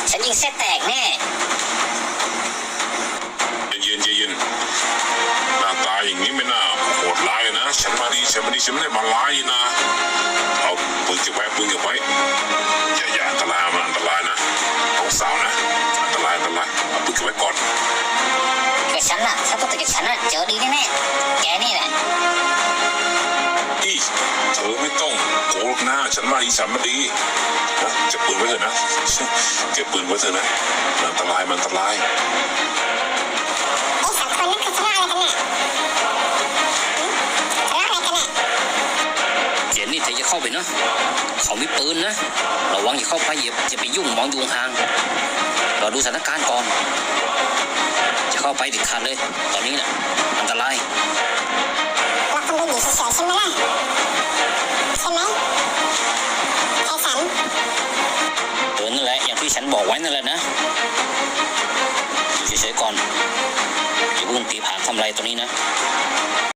ฉันยิงเส้นแตกแน่เย็นหน้าตาอย่างนี้ไม่น่าโหดร้ายนะฉันมาดีฉันไม่ได้มาร้ายนะเอาปืนเก็บไว้อย่าอันตรายมันอันตรายนะน้องสาวนะอันตรายเอาปืนเก็บไว้ก่อนกับฉันน่ะถ้าตัวกับฉันน่ะเจอดีแน่แกนี่แหละเธอไม่ต้องโกรธนะฉันมาดีนะเก็บปืนไว้เถอะนะเก็บปืนไว้เถอะนะมันอันตรายเจนนี่เธอจะเข้าไปนะเขามีปืนนะระวังอย่าเข้าไปอย่าไปยุ่งมองอยู่ห่างเราดูสถานการณ์ก่อนจะเข้าไปเด็ดขาดเลยตอนนี้น่ะอันตรายเราคงเป็นอยู่เฉยๆใช่ไหมล่ะใช่ไหมไอ้สันนั่นแหละอย่างที่ฉันบอกไว้นั่นแหละนะอยู่เฉยๆก่อนอย่าเพิ่งตีผางทำอะไรตัวนี้นะ